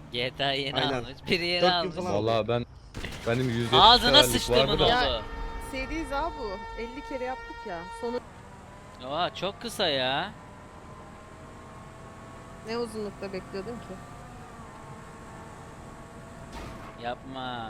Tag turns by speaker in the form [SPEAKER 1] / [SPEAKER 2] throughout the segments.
[SPEAKER 1] GTA yeni
[SPEAKER 2] Aynen.
[SPEAKER 1] almış. Biri yeni
[SPEAKER 2] 4 gün
[SPEAKER 1] almış.
[SPEAKER 2] falan.
[SPEAKER 3] Vallahi benim 170
[SPEAKER 1] Ağzına
[SPEAKER 3] severlik
[SPEAKER 1] sıçtığımın
[SPEAKER 3] vardı da.
[SPEAKER 1] oldu.
[SPEAKER 4] Seriyiz abi bu. 50 kere yaptık ya. Sonu
[SPEAKER 1] Oha çok kısa ya.
[SPEAKER 4] ne uzunlukta bekliyordun ki?
[SPEAKER 1] Yapma.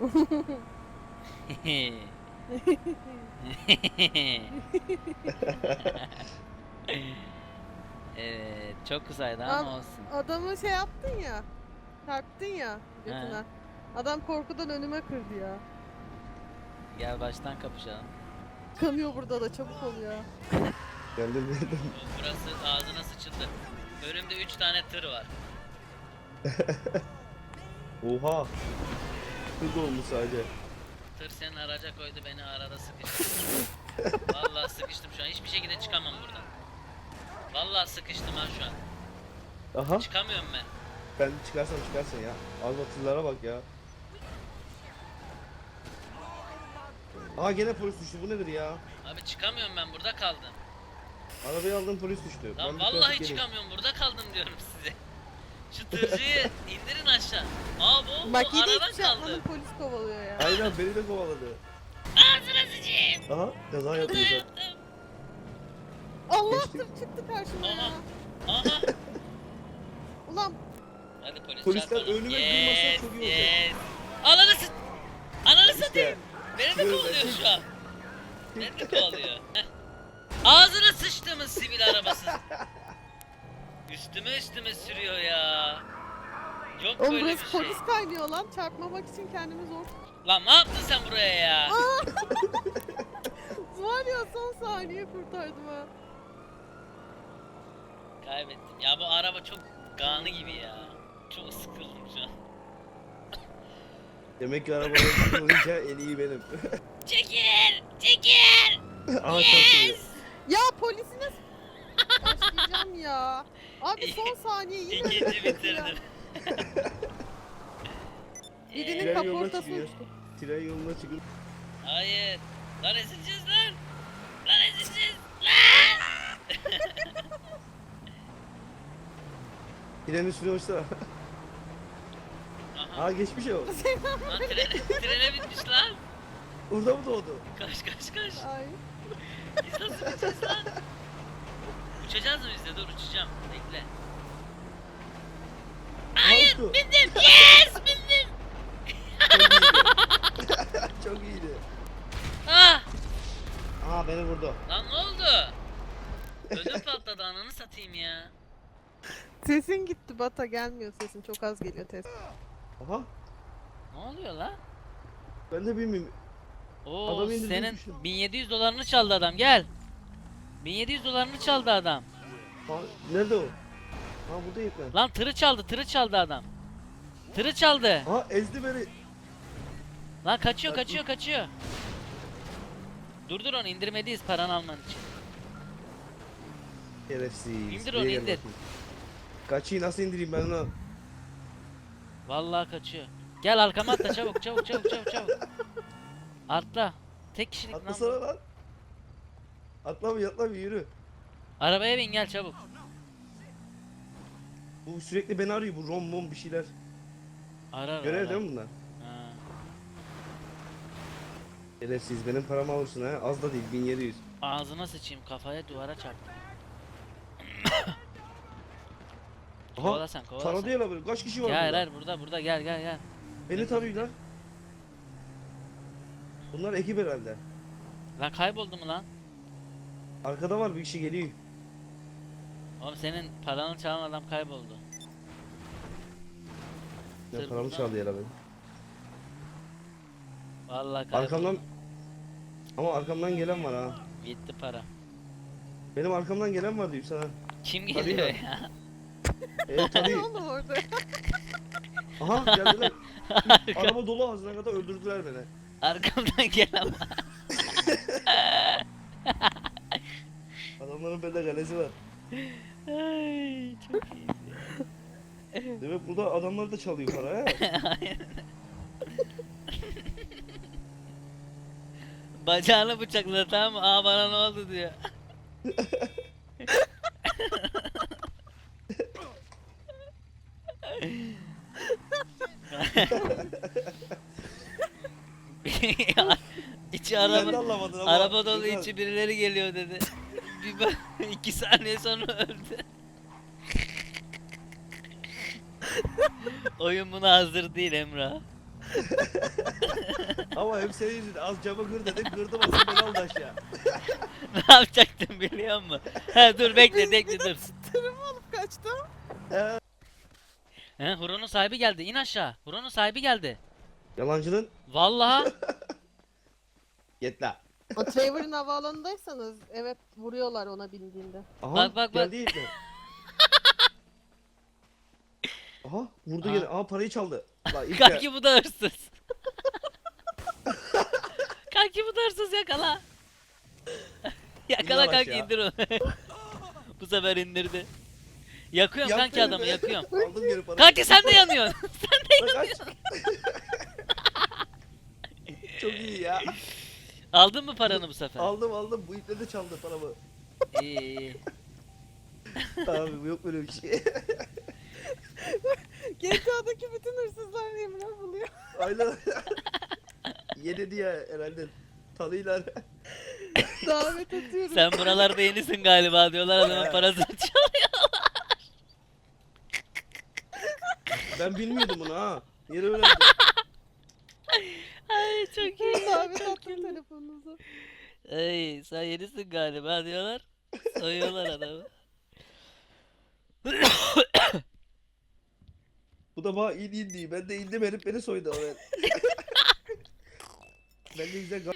[SPEAKER 1] Evet, çok kısaydı ama
[SPEAKER 4] Al-
[SPEAKER 1] olsun.
[SPEAKER 4] Adamı şey yaptın ya. Çarptın ya götüne. Adam korkudan önüme kırdı ya.
[SPEAKER 1] Gel baştan kapışalım.
[SPEAKER 4] Kanıyor burada da çabuk ol ya.
[SPEAKER 2] Geldim.
[SPEAKER 1] Burası ağzına sıçıldı. Önümde 3 tane tır var.
[SPEAKER 2] Oha. Hız olmuş sadece.
[SPEAKER 1] Tır senin araca koydu, beni arada sıkıştı. Vallahi sıkıştım şu an. Hiçbir şekilde çıkamam buradan. Vallahi sıkıştım ha şu an.
[SPEAKER 2] Aha.
[SPEAKER 1] Çıkamıyorum ben.
[SPEAKER 2] Ben çıkarsın ya. Az batırlara bak ya. Aha gene polis düştü. Bu nedir ya?
[SPEAKER 1] Abi çıkamıyorum, ben burada kaldım.
[SPEAKER 2] Arabayı aldım, polis düştü.
[SPEAKER 1] Lan
[SPEAKER 2] Ben bir
[SPEAKER 1] vallahi
[SPEAKER 2] trafik geleyim.
[SPEAKER 1] çıkamıyorum, burada kaldım diyorum size. Şu tırcıyı indirin aşağı. Aa bu
[SPEAKER 4] Bak yine
[SPEAKER 1] aradan
[SPEAKER 4] hiçbir şey yapmadın,
[SPEAKER 1] kaldı.
[SPEAKER 4] polis kovalıyor ya.
[SPEAKER 2] Aynen beni de kovaladı.
[SPEAKER 1] Ağzına sıçayım.
[SPEAKER 2] Aha kaza yaptı.
[SPEAKER 1] Kaza
[SPEAKER 2] zaten.
[SPEAKER 1] yaptım.
[SPEAKER 4] Allah
[SPEAKER 2] Geçtik.
[SPEAKER 4] tır çıktı karşıma ya.
[SPEAKER 1] Aha. Aha.
[SPEAKER 4] Ulan
[SPEAKER 1] Hadi polis
[SPEAKER 2] Polisler
[SPEAKER 1] çarpalım.
[SPEAKER 2] önüme durmasa çok iyi olacak.
[SPEAKER 1] Yes. Ananı sıt. Ananı
[SPEAKER 2] İşte.
[SPEAKER 1] satayım. Beni de
[SPEAKER 2] Şöyle.
[SPEAKER 1] kovalıyor şu an. Beni de kovalıyor. Heh. Ağzına sıçtığımız sivil arabası. Üstüme sürüyor ya. Yok
[SPEAKER 4] oğlum
[SPEAKER 1] böyle bir
[SPEAKER 4] burası
[SPEAKER 1] şey.
[SPEAKER 4] polis kaynıyor lan. Çarpmamak için kendimi zor.
[SPEAKER 1] Lan ne yaptın sen buraya ya?
[SPEAKER 4] Var ya son saniye kurtardım ha.
[SPEAKER 1] Kaybettim. Ya bu araba çok gağını gibi ya. Çok sıkıldım şu an.
[SPEAKER 2] Demek ki arabaları olunca en iyi benim.
[SPEAKER 1] Çekil! Çekil!
[SPEAKER 2] Aha yes.
[SPEAKER 4] Ya polisi nasıl başlayacağım ya. Abi son saniye yine
[SPEAKER 1] İkinci
[SPEAKER 4] ya.
[SPEAKER 1] bitirdim.
[SPEAKER 4] Birinin
[SPEAKER 2] Tren yoluna
[SPEAKER 4] kaportası
[SPEAKER 2] çıkıyor.
[SPEAKER 4] uçtu.
[SPEAKER 2] Tren yoluna çıkıp
[SPEAKER 1] Hayır. Lan ezileceğiz lan. Lan ezileceğiz. Lan!
[SPEAKER 2] trenin üstüne uçtu.
[SPEAKER 1] Aha.
[SPEAKER 2] Aa geçmiş o.
[SPEAKER 1] Lan trene binmiş lan.
[SPEAKER 2] Burada mı doğdu?
[SPEAKER 1] Kaç.
[SPEAKER 4] Ay.
[SPEAKER 1] Biz nasıl bineceğiz lan? Uçacağız mı biz de? Dur uçacağım. Bekle.
[SPEAKER 2] Hayır.
[SPEAKER 1] Bindim. Yes! Bindim.
[SPEAKER 2] Çok iyiydi.
[SPEAKER 1] Ah!
[SPEAKER 2] Aha beni vurdu.
[SPEAKER 1] Lan ne oldu? Ödüm patladı, ananı satayım ya.
[SPEAKER 4] Sesin gitti Bata, gelmiyor sesin, çok az geliyor test.
[SPEAKER 2] Aha
[SPEAKER 1] Ne oluyor lan?
[SPEAKER 2] ben de bilmiyorum.
[SPEAKER 1] Oo
[SPEAKER 2] Adam indirdi,
[SPEAKER 1] senin
[SPEAKER 2] düşün.
[SPEAKER 1] 1700 dolarını çaldı adam, gel. 1700 dolarını çaldı adam.
[SPEAKER 2] Ha, nerede o? Ha buradayım ben.
[SPEAKER 1] Lan tırı çaldı adam. Tırı çaldı.
[SPEAKER 2] Aha ezdi beni.
[SPEAKER 1] Lan kaçıyor
[SPEAKER 2] Bak,
[SPEAKER 1] kaçıyor. Dur onu indirmediyiz paranı alman için.
[SPEAKER 2] Şerefsiz.
[SPEAKER 1] İndir
[SPEAKER 2] Buraya
[SPEAKER 1] onu,
[SPEAKER 2] gel
[SPEAKER 1] indir.
[SPEAKER 2] bakayım. Kaçıyı nasıl indireyim ben onu?
[SPEAKER 1] Vallahi kaçıyor. Gel arkama atla çabuk. Atla. Tek kişilik lan
[SPEAKER 2] Atlasana
[SPEAKER 1] bu.
[SPEAKER 2] lan. Atla bir yürü.
[SPEAKER 1] Arabaya bin gel çabuk.
[SPEAKER 2] Bu sürekli beni arıyor, bu rom bir şeyler.
[SPEAKER 1] Arar.
[SPEAKER 2] Görev değil mi bunlar?
[SPEAKER 1] Ha.
[SPEAKER 2] Şerefsiz, benim paramı alırsın ha. Az da değil, 1700.
[SPEAKER 1] Ağzına sıçayım, kafaya duvara çarptım.
[SPEAKER 2] Aha
[SPEAKER 1] Kovala sen.
[SPEAKER 2] taradı ya la böyle. Kaç kişi var
[SPEAKER 1] Gel
[SPEAKER 2] burada?
[SPEAKER 1] hayır burada gel.
[SPEAKER 2] Beni tanıyorlar. Bunlar ekip herhalde.
[SPEAKER 1] Lan kayboldu mu lan?
[SPEAKER 2] Arkada var, bir kişi geliyor.
[SPEAKER 1] Oğlum senin paranı çalan adam kayboldu.
[SPEAKER 2] Ya
[SPEAKER 1] Tır
[SPEAKER 2] paramı
[SPEAKER 1] buradan.
[SPEAKER 2] çaldı ya la benim.
[SPEAKER 1] Vallahi kayboldu.
[SPEAKER 2] Arkamdan... Ama arkamdan gelen var ha.
[SPEAKER 1] Gitti para.
[SPEAKER 2] Benim arkamdan gelen var diyor sana.
[SPEAKER 1] Kim
[SPEAKER 2] Hadi
[SPEAKER 1] geliyor
[SPEAKER 2] ya.
[SPEAKER 1] ya?
[SPEAKER 4] Ne
[SPEAKER 2] Tabii.
[SPEAKER 4] oldu orada?
[SPEAKER 2] Aha geldiler. Araba dolu ağzına kadar öldürdüler beni.
[SPEAKER 1] Arkamdan gel ama.
[SPEAKER 2] Adamların bende kalesi var.
[SPEAKER 1] Ay çok iyi.
[SPEAKER 2] Demek burada adamlar da çalıyor para ha.
[SPEAKER 1] Bacağını bıçakladı, tamam mı? Aa bana ne oldu diyor. içi
[SPEAKER 2] Sen de
[SPEAKER 1] araba,
[SPEAKER 2] anlamadın ama.
[SPEAKER 1] araba dolu
[SPEAKER 2] Gökhan.
[SPEAKER 1] içi birileri geliyor dedi. Bir bak 2 saniye sonra öldü. Oyun buna hazır değil Emrah.
[SPEAKER 2] Ama hep senin yüzünden az camı kır dedim kırdım asıl beni aldı aşağı.
[SPEAKER 1] Ne yapacaktım biliyor musun? Ha dur bekle dur.
[SPEAKER 4] Tırımı alıp kaçtım.
[SPEAKER 1] He Huron'un sahibi geldi. İn aşağı. Huron'un sahibi geldi.
[SPEAKER 2] Yalancının
[SPEAKER 1] Vallahi.
[SPEAKER 2] git la.
[SPEAKER 4] O Trevor'ın havaalanındaysanız evet vuruyorlar ona bindiğinde.
[SPEAKER 2] Aha
[SPEAKER 1] Bak.
[SPEAKER 2] geldi mi? Aha vurdu
[SPEAKER 1] Aha.
[SPEAKER 2] gene. Aha parayı çaldı. La ilk
[SPEAKER 1] Kanki bu da hırsız. Kanki bu da hırsız yakala. Yakala
[SPEAKER 2] İn lan
[SPEAKER 1] kanki
[SPEAKER 2] aşağı.
[SPEAKER 1] indir onu. Bu sefer indirdi. Yakıyorum
[SPEAKER 2] Yak
[SPEAKER 1] kanki
[SPEAKER 2] beni
[SPEAKER 1] adamı
[SPEAKER 2] be.
[SPEAKER 1] yakıyorum.
[SPEAKER 2] Aldım geri parayı.
[SPEAKER 1] Kanki sen de yanıyorsun.
[SPEAKER 2] Kaç. Çok iyi ya.
[SPEAKER 1] Aldın mı paranı bu sefer?
[SPEAKER 2] Aldım. Bu iple de çaldı paramı.
[SPEAKER 1] İyi.
[SPEAKER 2] Abi bu yok böyle bir şey.
[SPEAKER 4] GTA'daki bütün hırsızlar Emrah buluyor.
[SPEAKER 2] Aynen. Yedi diye herhalde. Tanıylar.
[SPEAKER 4] Davet atıyorum.
[SPEAKER 1] Sen buralarda yenisin galiba diyorlar adamın parasını çalıyor.
[SPEAKER 2] Ben bilmiyordum bunu ha. Yeni öğrendim.
[SPEAKER 1] Ay çok iyi.
[SPEAKER 4] Davet attım telefonunuza.
[SPEAKER 1] Ay sen yenisin galiba diyorlar. Soyuyorlar adamı.
[SPEAKER 2] Bu da bana in diye. Ben de indim herif beni soydu o ben. Ben de güzel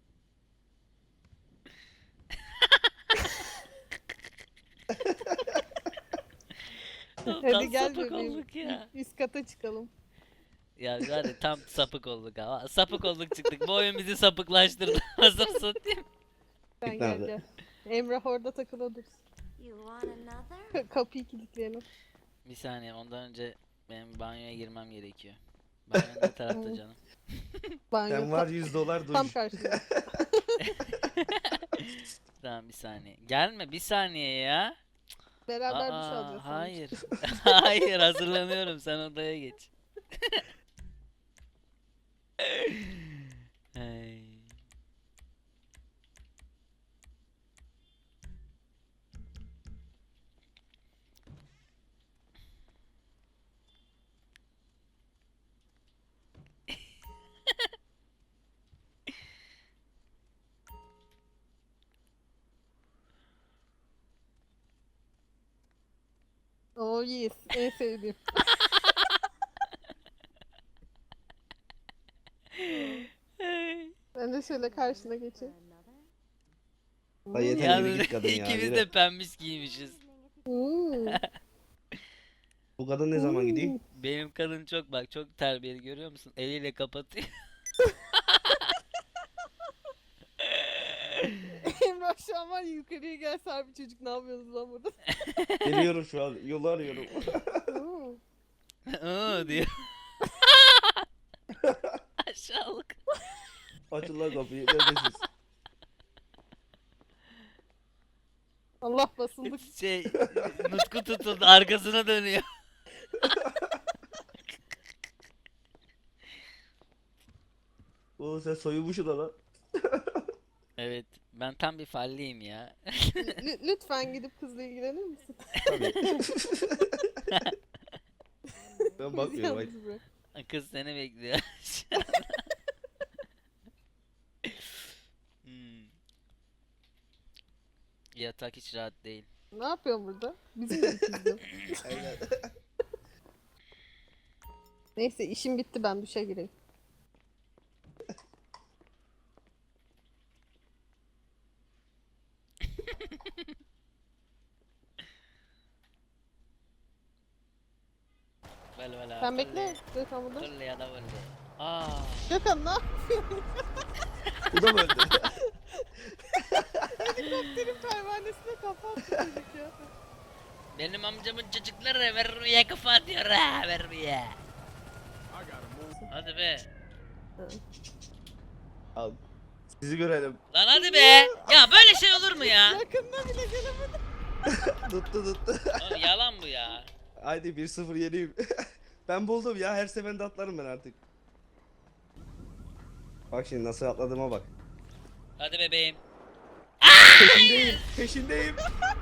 [SPEAKER 4] Hadi gel
[SPEAKER 1] sapık
[SPEAKER 4] bebeğim.
[SPEAKER 1] olduk ya.
[SPEAKER 4] Üst kata çıkalım.
[SPEAKER 1] Ya hadi tam sapık olduk ha. Sapık olduk çıktık. Bu oyun bizi sapıklaştırdı. Nasıl satayım?
[SPEAKER 4] Sen
[SPEAKER 2] Git
[SPEAKER 4] gel
[SPEAKER 2] nerede?
[SPEAKER 4] gel. Emrah orada takılı dursun.
[SPEAKER 5] You want another?
[SPEAKER 4] Kapıyı kilitleyelim.
[SPEAKER 1] Bir saniye ondan önce benim banyoya girmem gerekiyor. Banyo ne tarafta canım?
[SPEAKER 4] Banyo
[SPEAKER 2] Sen var $100 dur.
[SPEAKER 4] tam karşıda.
[SPEAKER 1] Tamam bir saniye. Gelme bir saniye ya.
[SPEAKER 4] Beraber duş alacağız. sonuçta.
[SPEAKER 1] Hayır. Hayır hazırlanıyorum sen odaya geç. Ay.
[SPEAKER 4] Oh yes. En sevdiğim.
[SPEAKER 1] Ay.
[SPEAKER 4] Ben de şöyle karşına geçeyim.
[SPEAKER 2] Ay yeter yürü
[SPEAKER 1] Yalnız
[SPEAKER 2] git kadın ya.
[SPEAKER 1] ikimiz
[SPEAKER 2] yürü.
[SPEAKER 1] de pembiş giymişiz.
[SPEAKER 4] Hmm.
[SPEAKER 2] Bu kadın ne zaman gidiyor?
[SPEAKER 1] Benim kadın çok bak çok terbiyeli görüyor musun? Eliyle kapatıyor.
[SPEAKER 4] Emrah şu an var ya, yukarıya gel bir çocuk ne yapıyorsunuz lan burada?
[SPEAKER 2] Geliyorum şu an. Yolu arıyorum.
[SPEAKER 4] Hmm.
[SPEAKER 1] Aa diyor. Aşağılık.
[SPEAKER 2] Açın lan kapıyı. Neredesiniz?
[SPEAKER 4] Allah basıldık.
[SPEAKER 1] Şey Nutku tutuldu arkasına dönüyor.
[SPEAKER 2] Oo sen soyulmuşsun da lan.
[SPEAKER 1] Evet ben tam bir falliyim ya.
[SPEAKER 4] Lütfen gidip kızla ilgilenir misin?
[SPEAKER 2] Tabii. Ben
[SPEAKER 4] Bizi
[SPEAKER 2] bakmıyorum.
[SPEAKER 4] yalnız bırak.
[SPEAKER 1] Kız seni bekliyor. Hmm. Yatak hiç rahat değil.
[SPEAKER 4] Ne yapıyorsun burada? Bizim de kızdı.
[SPEAKER 2] Aynen.
[SPEAKER 4] Neyse işim bitti ben duşa gireyim.
[SPEAKER 1] Böyle
[SPEAKER 4] Sen bekle. Gökhan burada.
[SPEAKER 1] Böyle ya da böyle. Aa.
[SPEAKER 4] Gökhan ne yapıyorsun?
[SPEAKER 2] Bu da mı öldü?
[SPEAKER 4] Helikopterin pervanesine kapattı çocuk ya.
[SPEAKER 1] Benim amcamın çocukları vermeye kafa atıyor ha vermeye. Hadi be.
[SPEAKER 2] Al. Sizi görelim.
[SPEAKER 1] Lan hadi be. Ya böyle şey olur mu ya?
[SPEAKER 4] Yakında bile gelemedim.
[SPEAKER 2] Tuttu.
[SPEAKER 1] Oğlum yalan bu ya.
[SPEAKER 2] Haydi 1-0 yeniyim. Ben buldum ya, her seferinde atlarım ben artık. Bak şimdi nasıl atladığıma bak.
[SPEAKER 1] Hadi bebeğim.
[SPEAKER 2] Peşindeyim, peşindeyim.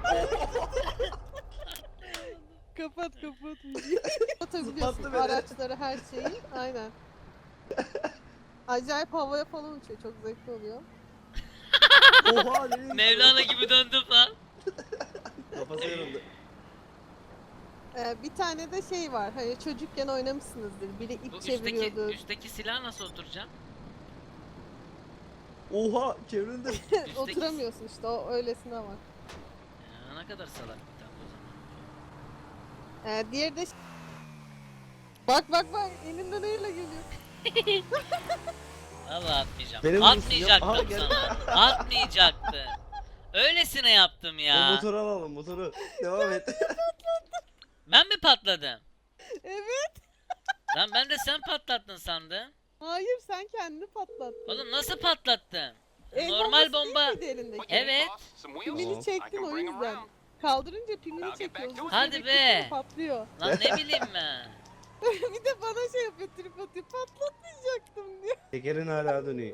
[SPEAKER 4] Kapat videoyu. Atabiliyorsun
[SPEAKER 2] Zıplattı beni.
[SPEAKER 4] araçları, her şeyi. Aynen. Acayip havaya falan uçuyor. Çok zevkli oluyor.
[SPEAKER 2] Oha nereye?
[SPEAKER 1] Mevlana gibi döndüm lan.
[SPEAKER 2] Kafası yarıldı.
[SPEAKER 4] Bir tane de şey var. Hani çocukken oynamışsınızdır. Biri
[SPEAKER 1] Bu
[SPEAKER 4] ip çeviriyordu.
[SPEAKER 1] üstteki silah nasıl oturacağım?
[SPEAKER 2] Oha çevrildi.
[SPEAKER 1] Üstteki...
[SPEAKER 4] Oturamıyorsun işte. O öylesine var.
[SPEAKER 1] Ya, ne kadar salak bir tane o zaman.
[SPEAKER 4] Diğeri de bak elinden neyle geliyor.
[SPEAKER 1] Vallahi atmayacağım.
[SPEAKER 2] Beni vurursun ya. Aha,
[SPEAKER 1] Atmayacaktım
[SPEAKER 2] gel.
[SPEAKER 1] sana. Atmayacaktım. Öylesine yaptım
[SPEAKER 2] O
[SPEAKER 1] ya.
[SPEAKER 2] motoru alalım, motoru. Devam et.
[SPEAKER 1] Ben mi patladım?
[SPEAKER 4] Evet.
[SPEAKER 1] Lan ben de sen patlattın sandım.
[SPEAKER 4] Hayır, sen kendini patlattın.
[SPEAKER 1] Oğlum nasıl patlattın?
[SPEAKER 4] El
[SPEAKER 1] Normal
[SPEAKER 4] bombası
[SPEAKER 1] bomba.
[SPEAKER 4] değil miydi elindeki?
[SPEAKER 1] Evet.
[SPEAKER 4] Pimini çektin o yüzden. Kaldırınca pimini çekiyorsun.
[SPEAKER 1] Hadi
[SPEAKER 4] sürekli
[SPEAKER 1] be.
[SPEAKER 4] Patlıyor.
[SPEAKER 1] Lan ne bileyim ben.
[SPEAKER 4] Bir de bana şey yapıyor, trip atıyor. Patlatmayacaktım diyor.
[SPEAKER 2] Tekerin hala dönüyor.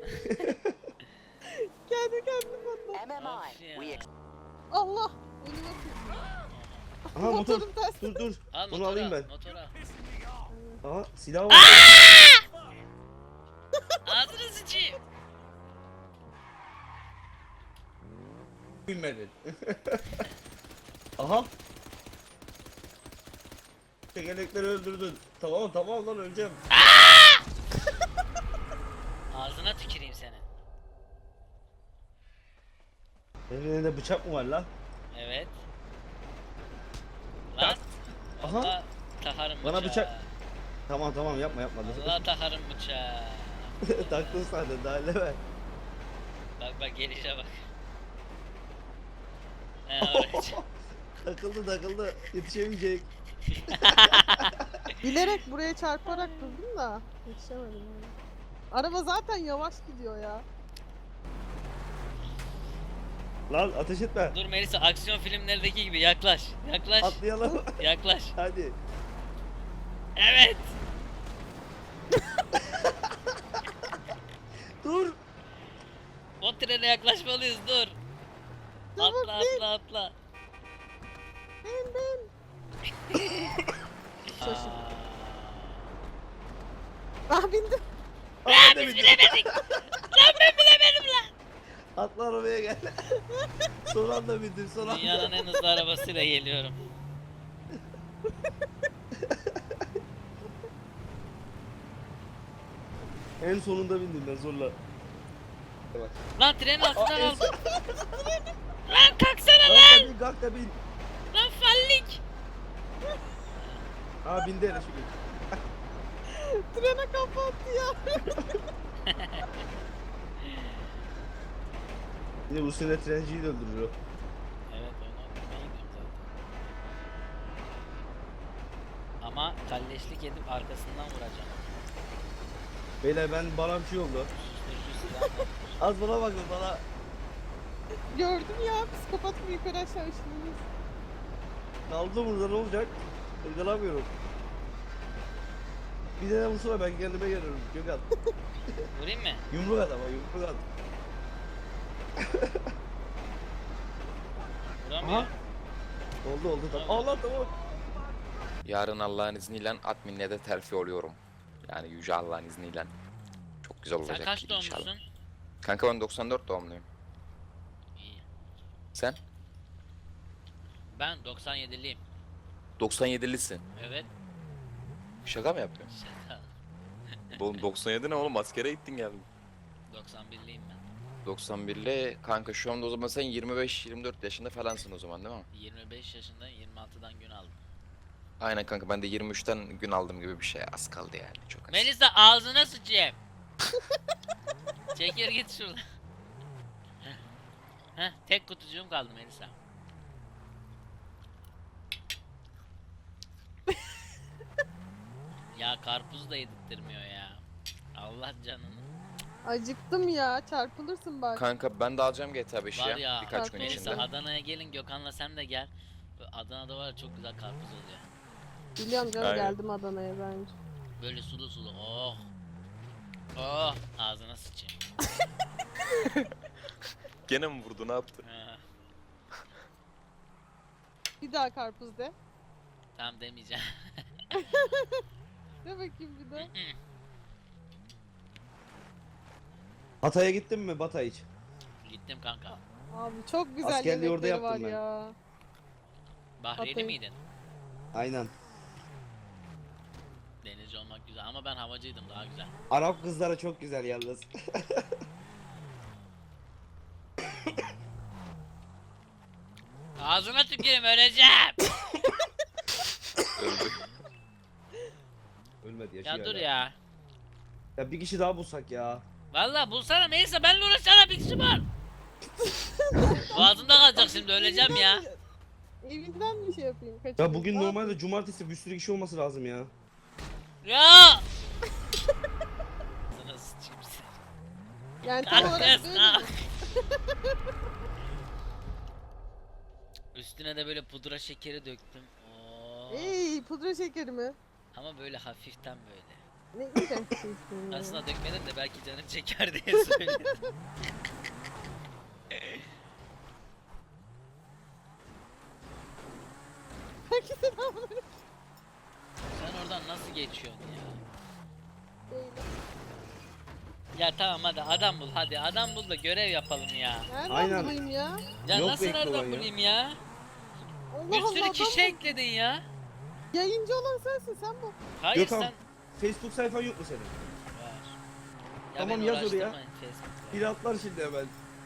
[SPEAKER 4] Kendi kendini patlattı.
[SPEAKER 1] Of ya.
[SPEAKER 4] Allah! Önüme kırdı.
[SPEAKER 2] Aha motor.
[SPEAKER 4] Motorum ters.
[SPEAKER 2] Dur.
[SPEAKER 1] Al
[SPEAKER 2] Bunu
[SPEAKER 1] motora,
[SPEAKER 2] alayım ben.
[SPEAKER 1] motora.
[SPEAKER 2] Aha silah var.
[SPEAKER 1] Ağzını sıçayım.
[SPEAKER 2] Bilmedin. Aha. Tekerlekleri öldürdün. Tamam lan öleceğim.
[SPEAKER 1] Ağzına tüküreyim senin.
[SPEAKER 2] Elinde bıçak mı var lan?
[SPEAKER 1] Evet. Lan.
[SPEAKER 2] Aha.
[SPEAKER 1] Allah takarım
[SPEAKER 2] Bana
[SPEAKER 1] bıçağı.
[SPEAKER 2] bıçak- Tamam yapma.
[SPEAKER 1] Allah takarım bıçağı.
[SPEAKER 2] Taktın zaten daha ne ver.
[SPEAKER 1] Bak gelişe bak. He oraya.
[SPEAKER 2] Takıldı. Yetişemeyecek.
[SPEAKER 4] Bilerek buraya çarparak durdum da yetişemedim yani. Araba zaten yavaş gidiyor ya.
[SPEAKER 2] Lan ateş etme.
[SPEAKER 1] Dur Melisa, aksiyon filmlerdeki gibi yaklaş. Yaklaş.
[SPEAKER 2] Atlayalım.
[SPEAKER 1] Yaklaş.
[SPEAKER 2] Hadi.
[SPEAKER 1] Evet.
[SPEAKER 2] Dur.
[SPEAKER 1] O trene yaklaşmalıyız, dur. Atla atla.
[SPEAKER 4] Ben. Şaşırdım.
[SPEAKER 1] Aa.
[SPEAKER 4] Ah bindim.
[SPEAKER 2] Aa, biz
[SPEAKER 1] Bilemedik. Lan ben bilemedim lan.
[SPEAKER 2] Atla arabaya gel. Son anda bindim son anda.
[SPEAKER 1] Dünyanın en hızlı arabasıyla geliyorum.
[SPEAKER 2] En sonunda bindim ben zorla. Bak.
[SPEAKER 1] Lan trenin altından
[SPEAKER 2] en
[SPEAKER 1] aldım. Lan kalksana lan.
[SPEAKER 2] Kalk da bin.
[SPEAKER 1] Lan fallik.
[SPEAKER 2] Ha bindi hele şükür.
[SPEAKER 4] Trene kapattı ya.
[SPEAKER 2] Yine bu sene trenciyi de öldürür o.
[SPEAKER 1] Evet, onu okumaya gidiyorum zaten. Ama kalleşlik edip arkasından vuracağım.
[SPEAKER 2] Beyler bana bir şey oldu.
[SPEAKER 1] Susturucu silah.
[SPEAKER 2] Az bana bakın bana.
[SPEAKER 4] Gördüm ya, psikopat gibi yukarı aşağı ışınlıyız.
[SPEAKER 2] Kaldı burada ne olacak? Irgalamıyorum. Bir tane vursana ben kendime gelirim. Gökhan.
[SPEAKER 1] Vurayım mı?
[SPEAKER 2] Yumruk at ama yumruk at.
[SPEAKER 1] Vuramıyor.
[SPEAKER 2] Aha. Oldu tamam. Allah tamam.
[SPEAKER 6] Yarın Allah'ın izniyle adminle de terfi oluyorum. Yani yüce Allah'ın izniyle. Çok güzel
[SPEAKER 1] Sen
[SPEAKER 6] olacak
[SPEAKER 1] kaç
[SPEAKER 6] inşallah.
[SPEAKER 1] doğumlusun?
[SPEAKER 6] Kanka ben 94 doğumluyum.
[SPEAKER 1] İyi.
[SPEAKER 6] Sen?
[SPEAKER 1] Ben 97'liyim.
[SPEAKER 6] 97'lisin.
[SPEAKER 1] Evet.
[SPEAKER 6] Şaka mı yapıyorsun?
[SPEAKER 1] Şaka.
[SPEAKER 6] Oğlum 97 ne oğlum, askere gittin geldin.
[SPEAKER 1] 91'liyim ben.
[SPEAKER 6] 91'li kanka, şu anda o zaman sen 25-24 yaşında falansın o zaman değil mi?
[SPEAKER 1] 25 yaşında 26'dan gün aldım.
[SPEAKER 6] Aynen kanka, ben de 23'ten gün aldım gibi bir şey, az kaldı yani, çok az.
[SPEAKER 1] Melisa ağzına sıçayım. Çekir git şuradan. Heh, tek kutucuğum kaldı Melisa. Ya karpuz da yedirtmiyor ya. Allah canını.
[SPEAKER 4] Acıktım ya, çarpılırsın bak.
[SPEAKER 6] Kanka ben de alacağım GTA 5'i
[SPEAKER 1] Var
[SPEAKER 6] ya,
[SPEAKER 1] ya.
[SPEAKER 6] birkaç gün
[SPEAKER 4] Melisa,
[SPEAKER 6] içinde.
[SPEAKER 1] Melisa Adana'ya gelin, Gökhan'la sen de gel. Adana'da var ya, çok güzel karpuz oluyor.
[SPEAKER 4] Biliyorum canım,
[SPEAKER 6] Aynen.
[SPEAKER 4] geldim Adana'ya bence.
[SPEAKER 1] Böyle sulu sulu. Oh. Oh. Ağzına sıçayım.
[SPEAKER 6] Gene mi vurdu, ne yaptı?
[SPEAKER 1] Ha,
[SPEAKER 4] Bir daha karpuz de.
[SPEAKER 1] tamam demeyeceğim.
[SPEAKER 4] De bakayım bir de.
[SPEAKER 2] Hatay'a gittin mi Batay hiç?
[SPEAKER 1] Gittim kanka.
[SPEAKER 4] Abi çok güzel
[SPEAKER 2] Askerliği orada
[SPEAKER 4] yemekleri var
[SPEAKER 2] yaptım ben.
[SPEAKER 4] ya.
[SPEAKER 1] Bahriyeli
[SPEAKER 4] Hatay.
[SPEAKER 1] miydin?
[SPEAKER 2] Aynen.
[SPEAKER 1] Denizci olmak güzel ama ben havacıydım, daha güzel.
[SPEAKER 2] Arap kızlara çok güzel yalnız.
[SPEAKER 1] Ağzına tüküreyim, öleceğim.
[SPEAKER 6] Öldü.
[SPEAKER 2] Ölmedi yaşıyor.
[SPEAKER 1] Ya dur
[SPEAKER 2] hala.
[SPEAKER 1] ya.
[SPEAKER 2] Ya bir kişi daha bulsak ya.
[SPEAKER 1] Vallahi bulsana, neyse benle uğraşsana, bir kişi var. Boğazımda kalacak şimdi, öleceğim ya.
[SPEAKER 4] Evinden bir şey yapayım.
[SPEAKER 2] Ya
[SPEAKER 4] Kaçırayım.
[SPEAKER 2] bugün
[SPEAKER 4] Ne
[SPEAKER 2] normalde cumartesi bir sürü kişi olması lazım ya.
[SPEAKER 1] Ya! Sana sıçayım sen.
[SPEAKER 4] Yani tam olarak
[SPEAKER 1] Kalk kız,
[SPEAKER 4] böyle
[SPEAKER 1] kalk.
[SPEAKER 4] mi?
[SPEAKER 1] Üstüne de böyle pudra şekeri döktüm. Oo.
[SPEAKER 4] Ey, pudra şekeri mi?
[SPEAKER 1] Ama böyle hafiften böyle.
[SPEAKER 4] Ne iğrenç bir şeysin ya.
[SPEAKER 1] Aslında dökmedim de belki canın çeker diye söyledim.
[SPEAKER 4] Herkese ne yapıyor?
[SPEAKER 1] Sen oradan nasıl geçiyorsun ya?
[SPEAKER 4] Değil.
[SPEAKER 1] Ya tamam hadi adam bul, hadi adam bul da görev yapalım ya.
[SPEAKER 4] Nereden
[SPEAKER 2] Aynen.
[SPEAKER 4] bulayım ya?
[SPEAKER 1] Ya
[SPEAKER 2] Yok
[SPEAKER 1] nasıl
[SPEAKER 2] bekle
[SPEAKER 1] nereden
[SPEAKER 2] olan ya.
[SPEAKER 1] bulayım ya?
[SPEAKER 4] Allah
[SPEAKER 1] Bir sürü
[SPEAKER 4] Allah,
[SPEAKER 1] kişi ekledin ya.
[SPEAKER 4] Yayıncı olan sensin, sen bu.
[SPEAKER 1] Hayır
[SPEAKER 2] Gökhan,
[SPEAKER 1] sen...
[SPEAKER 2] Facebook sayfan yok mu senin?
[SPEAKER 1] Var.
[SPEAKER 2] Tamam,
[SPEAKER 1] beni
[SPEAKER 2] yaz oraya.
[SPEAKER 1] uğraştırmayın Facebook'ta.
[SPEAKER 2] Biri atlar şimdi hemen.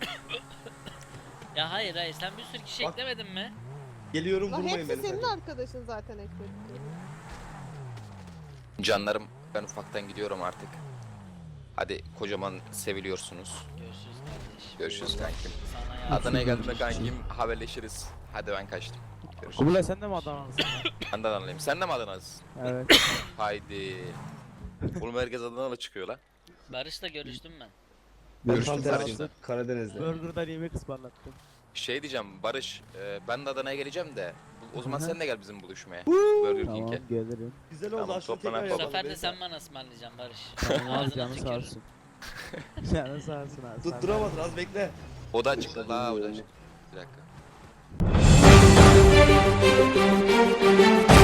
[SPEAKER 1] Ya hayır sen bir sürü kişi
[SPEAKER 2] Bak.
[SPEAKER 1] eklemedin mi?
[SPEAKER 2] Geliyorum,
[SPEAKER 4] La
[SPEAKER 2] vurmayın
[SPEAKER 4] hepsi
[SPEAKER 2] beni
[SPEAKER 4] senin
[SPEAKER 2] sakın.
[SPEAKER 4] arkadaşın zaten ekledik.
[SPEAKER 6] Canlarım, ben ufaktan gidiyorum artık. Hadi, kocaman seviliyorsunuz.
[SPEAKER 1] Görüşürüz kardeşim.
[SPEAKER 6] Görüşürüz kankim.
[SPEAKER 1] Sana yardım.
[SPEAKER 6] Adana'ya geldiğimde kankim haberleşiriz. Hadi ben kaçtım. Görüşürüz.
[SPEAKER 7] Kubilay sen de mi Adana'lısın?
[SPEAKER 6] Ben de Adanalıyım. Sen de mi Adanalısın?
[SPEAKER 7] Evet.
[SPEAKER 6] Haydi. Oğlum herkes Adanalı çıkıyor lan.
[SPEAKER 1] Barış'la görüştüm ben.
[SPEAKER 2] Ben
[SPEAKER 6] Görüştük
[SPEAKER 2] tam
[SPEAKER 6] kardeşim.
[SPEAKER 2] tersinde. Karadeniz'de.
[SPEAKER 7] Burger'dan yemek ısmarlattım.
[SPEAKER 6] Şey diyeceğim Barış, ben de Adana'ya geleceğim de o zaman
[SPEAKER 7] Hı hı.
[SPEAKER 6] sen de gel bizim buluşmaya. Burger
[SPEAKER 7] Tamam
[SPEAKER 6] King'e.
[SPEAKER 7] gelirim.
[SPEAKER 2] Güzel oldu,
[SPEAKER 6] Tamam,
[SPEAKER 2] aşkım
[SPEAKER 6] toplana
[SPEAKER 2] tekrar
[SPEAKER 1] Bu
[SPEAKER 6] yapalım.
[SPEAKER 1] sefer de
[SPEAKER 2] Beyza.
[SPEAKER 1] sen bana ısmarlayacaksın Barış.
[SPEAKER 7] Tamam abi
[SPEAKER 1] Ağzına
[SPEAKER 7] canı sağ
[SPEAKER 1] tükürürüm.
[SPEAKER 7] olsun. Canı sağ olsun abi.
[SPEAKER 2] Tutturamadın, az bekle.
[SPEAKER 6] O da çıktı la, o da çıktı. Bir dakika.